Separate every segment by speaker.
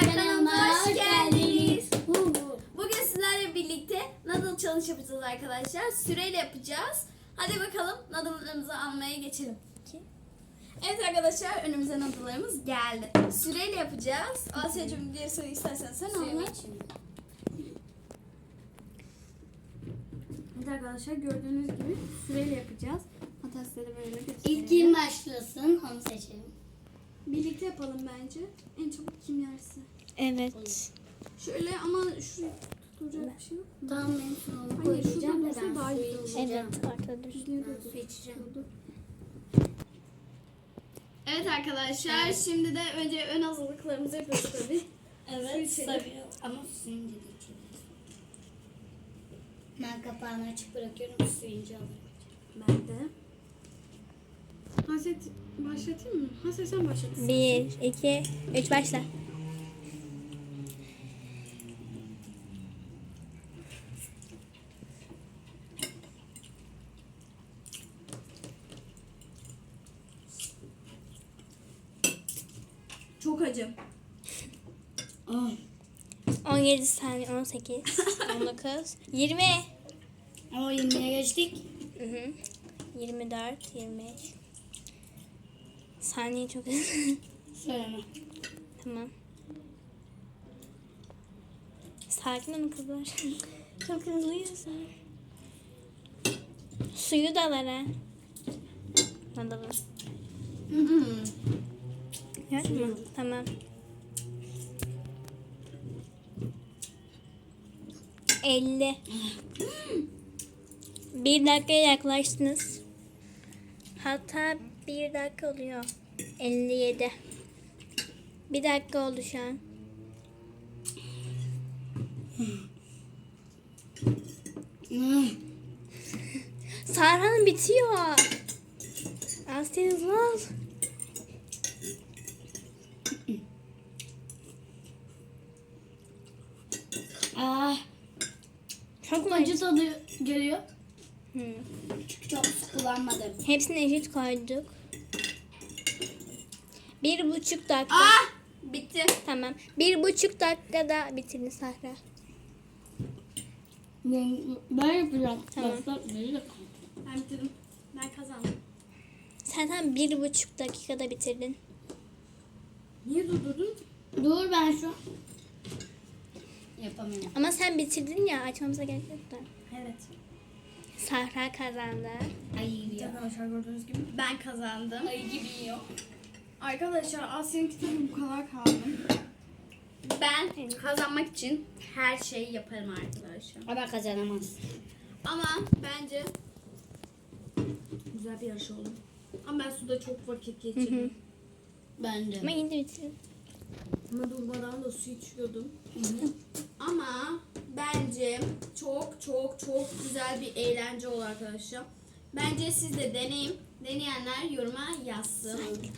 Speaker 1: kanalıma hoş geldiniz. Bugün sizlerle birlikte noodle challenge yapacağız arkadaşlar. Süreyle yapacağız. Hadi bakalım noodle'larımızı almaya geçelim. Evet arkadaşlar, önümüze noodle'larımız geldi. Süreyle yapacağız. Asya'cığım bir soru istersen sen anlat. Evet arkadaşlar, gördüğünüz gibi süreyle yapacağız. Hatta size de böyle göstereyim.
Speaker 2: İlk kim başlasın onu seçelim.
Speaker 1: Birlikte yapalım bence. En çabuk kim yerse.
Speaker 3: Evet.
Speaker 1: Şöyle ama şu tutacak bir şey yok mu?
Speaker 2: Tamam ben sonra
Speaker 1: Hayır,
Speaker 2: koyacağım
Speaker 1: şurada
Speaker 2: da
Speaker 1: olsa daha
Speaker 2: ben su
Speaker 1: iyi olur.
Speaker 2: içeceğim.
Speaker 3: Evet, ortada dur.
Speaker 2: Ben su içeceğim.
Speaker 1: Evet arkadaşlar, şimdi de önce ön hazırlıklarımızı yapıyoruz tabii.
Speaker 2: Evet
Speaker 1: Su içelim.
Speaker 2: tabii ama suyunu da içeceğiz. Ben kapağını açık bırakıyorum suyunca alırım.
Speaker 1: Ben de. Haset başlatayım mı? Haset sen başlat.
Speaker 3: 1, 2, 3 başla.
Speaker 1: Çok acım.
Speaker 3: 17 saniye, 18, 19, 20.
Speaker 2: O 20'ye geçtik.
Speaker 3: 24, 25. Saniye çok hızlı.
Speaker 2: Söyleme.
Speaker 3: Tamam. Sakin olun kızlar. Çok hızlıyız. Suyu da var ha. Hadi bak. Yok mu? Tamam. 50. 1 dakikaya yaklaştınız. Hatta 1 dakika oluyor. 57. 1 dakika oldu şu an. Sarhan bitiyor. Asya hızlı ol.
Speaker 2: Çok acı tadı geliyor.
Speaker 3: Hı.
Speaker 2: Çünkü çok su kullanmadım.
Speaker 3: Hepsini eşit koyduk. 1,5 dakika.
Speaker 1: Bitti.
Speaker 3: Tamam. 1,5 dakikada bitirin Sahra.
Speaker 2: Ben yapacağım.
Speaker 3: Tamam.
Speaker 1: Ben bitirdim. Ben kazandım.
Speaker 3: Sen tam 1,5 dakikada bitirdin.
Speaker 1: Niye durdurdun?
Speaker 2: Dur ben şu yapamıyorum.
Speaker 3: Ama sen bitirdin ya, açmamıza gerek yok da.
Speaker 1: Evet.
Speaker 3: Sahra kazandı.
Speaker 2: Ay yiyor.
Speaker 1: Arkadaşlar gördüğünüz gibi ben kazandım.
Speaker 2: Ay gibi yiyor.
Speaker 1: Arkadaşlar Asya'nın kitabı bu kadar kaldı. Ben kazanmak için her şeyi yaparım arkadaşlar.
Speaker 2: Ama kazanamaz.
Speaker 1: Ama bence güzel bir yarış oldu. Ama ben suda çok vakit geçirdim.
Speaker 2: Ben de.
Speaker 3: Ama yine de bitirdin.
Speaker 1: Ama durmadan da su içiyordum. Ama bence çok çok çok güzel bir eğlence oldu arkadaşlar. Bence siz de deneyin. Deneyenler yoruma yazsın.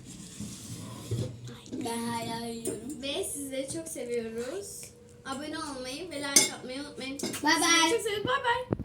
Speaker 2: Ben hala yiyorum.
Speaker 1: Ve sizleri çok seviyoruz. Abone olmayı ve like atmayı unutmayın.
Speaker 2: Bye bye.
Speaker 1: Sizi çok seviyorum. Bye bye.